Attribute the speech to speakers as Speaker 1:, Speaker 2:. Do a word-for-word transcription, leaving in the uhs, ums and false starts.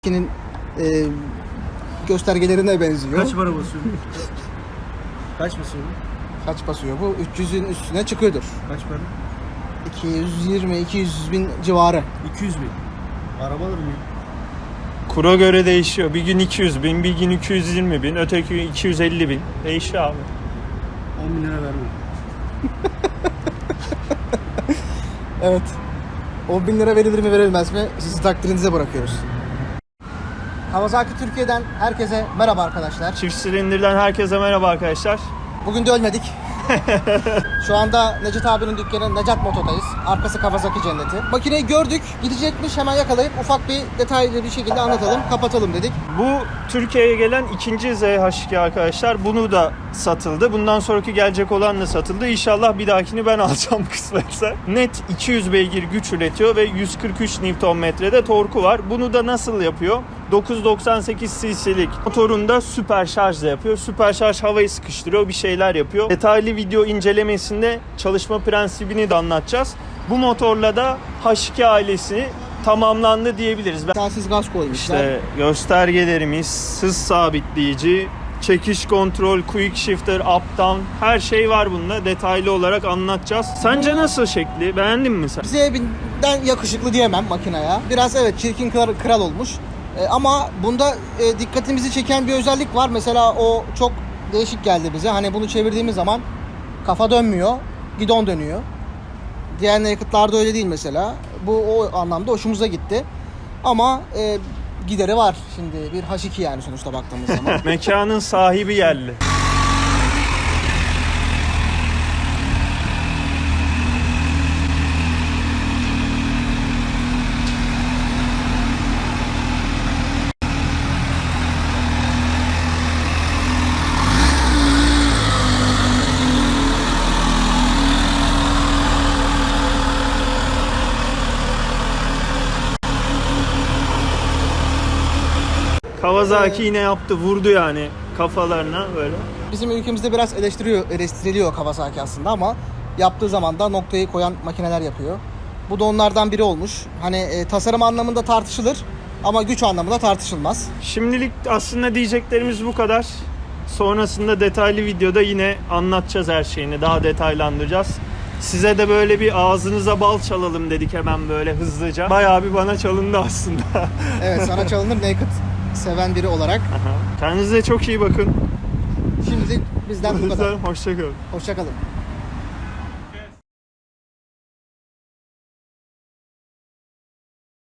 Speaker 1: Kinin e, göstergelerine benziyor.
Speaker 2: Kaç para basıyor? Kaç basıyor?
Speaker 1: Kaç basıyor bu? üç yüzün üstüne çıkıyordur.
Speaker 2: Kaç para?
Speaker 1: iki yüz yirmi iki yüz bin civarı.
Speaker 2: iki yüz bin. Araba alır mı ya?
Speaker 3: Kura göre değişiyor. Bir gün iki yüz bin, bir gün iki yüz yirmi bin, öteki gün iki yüz elli bin. Değişiyor abi.
Speaker 2: on bin lira vermem.
Speaker 1: Evet. on bin lira verilir mi verilmez mi? Sizi takdirinize bırakıyoruz. Kawasaki Türkiye'den herkese merhaba arkadaşlar.
Speaker 3: Çift silindirden herkese merhaba arkadaşlar.
Speaker 1: Bugün de ölmedik. Şu anda Necdet abinin dükkanı Necat Moto'dayız. Arkası Kawasaki cenneti. Makineyi gördük, gidecekmiş, hemen yakalayıp ufak bir detaylı bir şekilde anlatalım, kapatalım dedik.
Speaker 3: Bu Türkiye'ye gelen ikinci Z H iki arkadaşlar. Bunu da satıldı. Bundan sonraki gelecek olan da satıldı. İnşallah bir dahakini ben alacağım kısmetse. Net iki yüz beygir güç üretiyor ve yüz kırk üç Newton metrede torku var. Bunu da nasıl yapıyor? dokuz yüz doksan sekiz cc'lik motorunda süper şarjla yapıyor. Süper şarj havayı sıkıştırıyor, bir şeyler yapıyor. Detaylı video incelemesinde çalışma prensibini de anlatacağız. Bu motorla da H iki ailesi tamamlandı diyebiliriz.
Speaker 1: Telsiz gaz koymuşlar.
Speaker 3: İşte göstergelerimiz, hız sabitleyici, çekiş kontrol, quick shifter, up down, her şey var bunda. Detaylı olarak anlatacağız. Sence nasıl şekli? Beğendin mi sen?
Speaker 1: Zebinden yakışıklı diyemem makineye. Biraz evet çirkin kral, kral olmuş. E, ama bunda e, dikkatimizi çeken bir özellik var. Mesela o çok değişik geldi bize. Hani bunu çevirdiğimiz zaman kafa dönmüyor, gidon dönüyor. Diğer yakıtlarda öyle değil mesela. Bu o anlamda hoşumuza gitti. Ama e, gideri var şimdi. Bir H iki yani sonuçta baktığımız zaman.
Speaker 3: Mekanın sahibi yerli. Kawasaki yine yaptı, vurdu yani kafalarına böyle.
Speaker 1: Bizim ülkemizde biraz eleştiriyor, eleştiriliyor Kawasaki aslında ama yaptığı zaman da noktayı koyan makineler yapıyor. Bu da onlardan biri olmuş. Hani e, tasarım anlamında tartışılır ama güç anlamında tartışılmaz.
Speaker 3: Şimdilik aslında diyeceklerimiz bu kadar. Sonrasında detaylı videoda yine anlatacağız her şeyini, daha detaylandıracağız. Size de böyle bir ağzınıza bal çalalım dedik hemen böyle hızlıca. Bayağı bir bana çalındı aslında.
Speaker 1: Evet, sana çalınır naked seven biri olarak.
Speaker 3: Kendinize çok iyi bakın.
Speaker 1: Şimdilik bizden bu kadar.
Speaker 3: Hoşça kalın.
Speaker 1: Hoşça kalın.